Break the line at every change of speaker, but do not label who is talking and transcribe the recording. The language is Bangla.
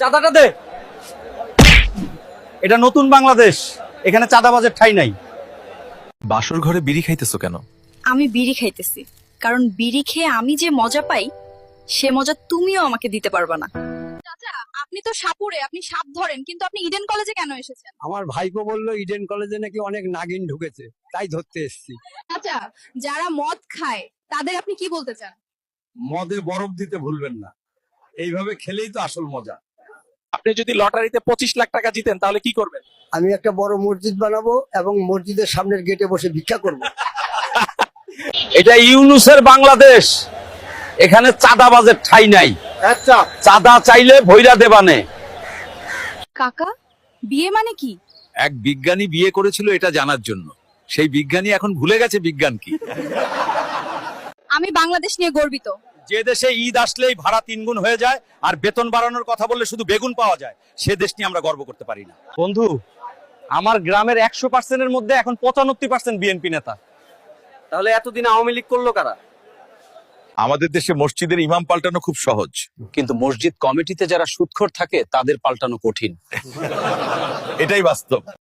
চাঁদাটা দে। এটা নতুন বাংলাদেশ, এখানে চাঁদাবাজের ঠাঁই নাই।
বাসর ঘরে বিড়ি খাইতেছো কেন?
আমি বিড়ি খাইতেছি কারণ বিড়ি খেয়ে আমি যে মজা পাই সে মজা তুমিও আমাকে দিতে পারবা না।
চাচা, আপনি তো সাপুরে, আপনি সাপ ধরেন, কিন্তু আপনি ইডেন কলেজে কেন এসেছেন?
আমার ভাইপো বললো ইডেন কলেজে নাকি অনেক নাগিন ঢুকেছে, তাই ধরতে এসেছি।
চাচা, যারা মদ খায় তাদের আপনি কি বলতে চান?
মদে বরফ দিতে ভুলবেন না, এইভাবে খেলেই তো আসল মজা।
আপনি যদি লটারিতে 25 লাখ টাকা জিতেন তাহলে কি করবেন?
আমি একটা বড় মসজিদ বানাবো এবং মসজিদের সামনের গেটে বসে ভিক্ষা করব।
এটা ইউনুসের বাংলাদেশ, এখানে চাঁদাবাজের ঠাঁই নাই।
আচ্ছা,
চাঁদা চাইলে ভৈরা দেবানে।
কাকা, বিয়ে মানে কি?
এক বিজ্ঞানী বিয়ে করেছিল এটা জানার জন্য, সেই বিজ্ঞানী এখন ভুলে গেছে বিজ্ঞান কি।
আমি বাংলাদেশ নিয়ে গর্বিত।
যে দেশে ঈদ আসলেই ভাড়া 3 গুণ হয়ে যায় আর বেতন বাড়ানোর কথা বললে শুধু বেগুন পাওয়া যায়, সে দেশ নিয়ে আমরা গর্ব করতে পারি না। বন্ধু, আমার গ্রামের 100%-এর মধ্যে এখন 95% বিএনপি নেতা। তাহলে এতদিন আওয়ামী লীগ করলো কারা?
আমাদের দেশে মসজিদের ইমাম পাল্টানো খুব সহজ,
কিন্তু মসজিদ কমিটিতে যারা সুদখোর থাকে তাদের পাল্টানো কঠিন।
এটাই বাস্তব।